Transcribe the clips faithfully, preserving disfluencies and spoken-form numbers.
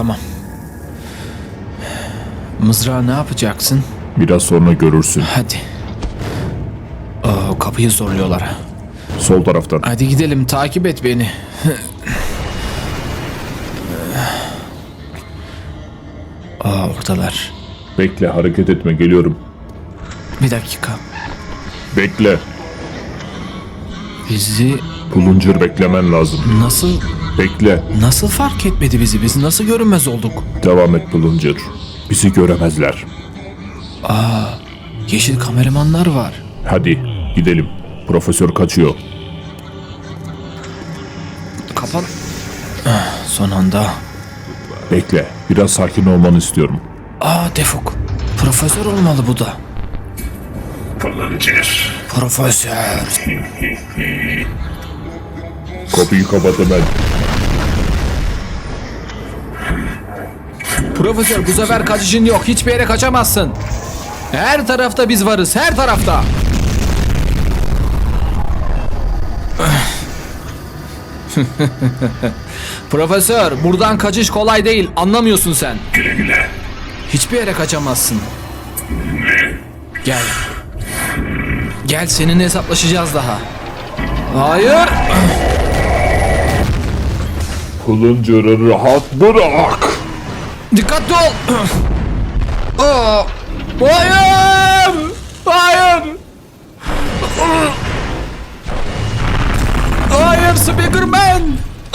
Tamam. Mızrağı ne yapacaksın? Biraz sonra görürsün. Hadi. Oo, kapıyı zorluyorlar. Sol taraftan. Hadi gidelim, takip et beni. Aa, oradalar. Bekle, hareket etme, geliyorum. Bir dakika. Bekle. Bizi Puluncur beklemen lazım. nasıl Bekle. nasıl fark etmedi bizi? Biz nasıl görünmez olduk? Devam et Puluncur. Bizi göremezler. Yeşil kameramanlar var. Hadi gidelim. Profesör kaçıyor. Kapan. Ah, son anda. Bekle. Biraz sakin olmanı istiyorum. Aa, Defuk. Profesör olmalı bu da. Puluncur. Profesör. Kapıyı kapat hemen. Profesör, bu sefer kaçışın yok. Hiçbir yere kaçamazsın. Her tarafta biz varız. Her tarafta. Profesör, buradan kaçış kolay değil. Anlamıyorsun sen. Güle güle. Hiçbir yere kaçamazsın. Gel. Gel, seninle hesaplaşacağız daha. Hayır. Puluncur'u rahat bırak. Dikkatli ol. Aa, hayır. Hayır. Hayır, Speakerman.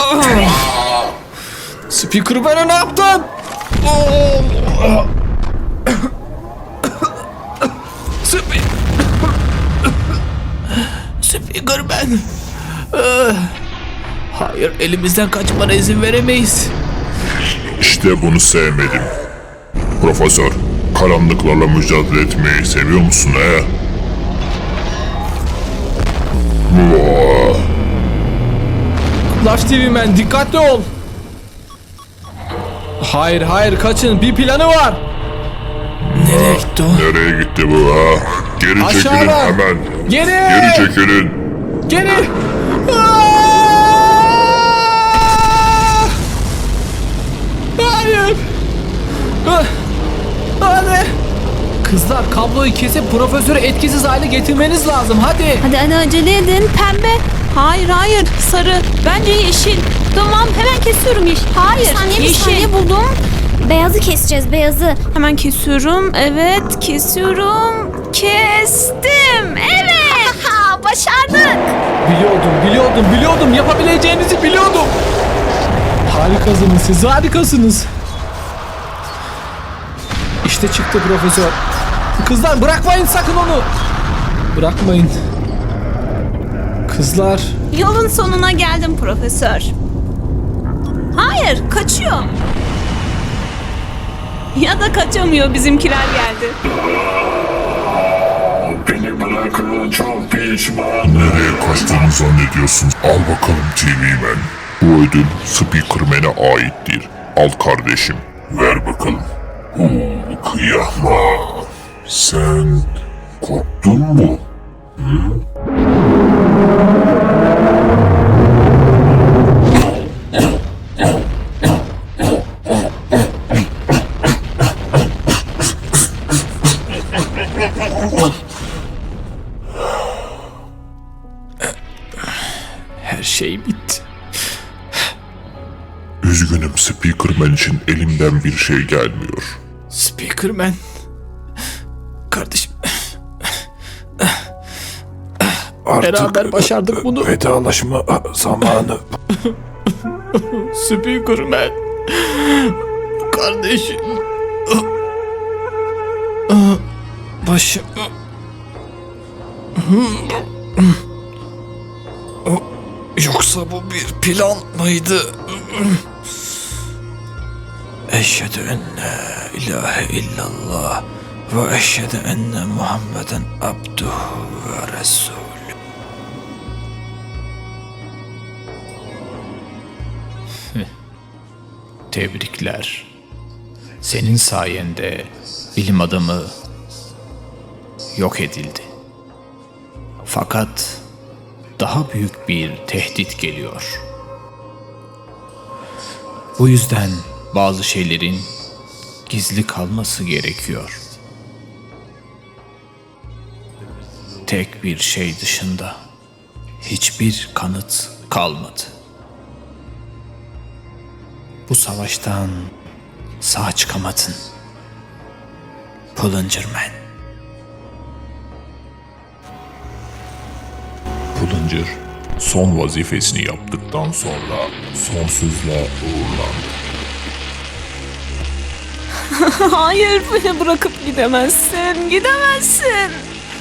Speakerman'a ne yaptın? Spe Speakerman. Hayır, elimizden kaçmana izin veremeyiz. İşte bunu sevmedim. Profesör, karanlıklarla mücadele etmeyi seviyor musun he? Flash T V Man, dikkatli ol. Hayır hayır, kaçın, bir planı var. Nereye gitti o? Nereye gitti bu ha? Geri Aşağıda. çekilin hemen. Geri. Geri çekilin. Geri. Aa! Hayır. Ah! Hadi. Kızlar, kabloyu kesip profesörü etkisiz hale getirmeniz lazım. Hadi. Hadi hadi acele edin. Pembe. Hayır hayır. Sarı. Bence yeşil. Tamam, hemen kesiyorum yeşil. Hayır. Bir saniye, bir yeşil. saniye. buldum. Beyazı keseceğiz, beyazı. Hemen kesiyorum. Evet, kesiyorum. Kestim. Evet. Ha, başardık. Biliyordum, biliyordum, biliyordum. Yapabileceğinizi biliyordum. Harikasınız siz, harikasınız. İşte çıktı profesör. Kızlar, bırakmayın sakın onu. Bırakmayın. Kızlar. Yolun sonuna geldim profesör. Hayır, kaçıyor. Ya da kaçamıyor, bizimkiler geldi. Beni bırakın, çok pişman. Nereye kaçtığını zannediyorsun? Al bakalım T V Man. Bu ödül Speakerman'e aittir. Al kardeşim. Ver bakalım. Oo, kıyamam. Sen korktun mu? Her şey bitti. Üzgünüm Speakerman için elimden bir şey gelmiyor. Speakerman. Kardeşim. Beraber başardık bunu. Vedalaşma zamanı. Speakerman. Kardeşim. Başım. Yoksa bu bir plan mıydı? Eşhedü en la ilahe illallah ve eşhedü enne Muhammeden abduhu ve resulü. Tebrikler. Senin sayende bilim adamı yok edildi. Fakat daha büyük bir tehdit geliyor. Bu yüzden bazı şeylerin gizli kalması gerekiyor. Tek bir şey dışında hiçbir kanıt kalmadı. Bu savaştan sağ çıkamadın. Pulungerman. Pulungur son vazifesini yaptıktan sonra sonsuzluğa uğurlandı. Hayır, beni bırakıp gidemezsin. Gidemezsin.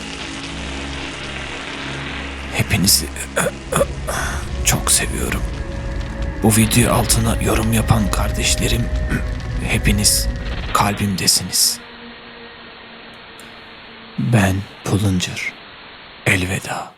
Hepinizi çok seviyorum. Bu video altına yorum yapan kardeşlerim, hepiniz kalbimdesiniz. Ben Pulungur. Elveda.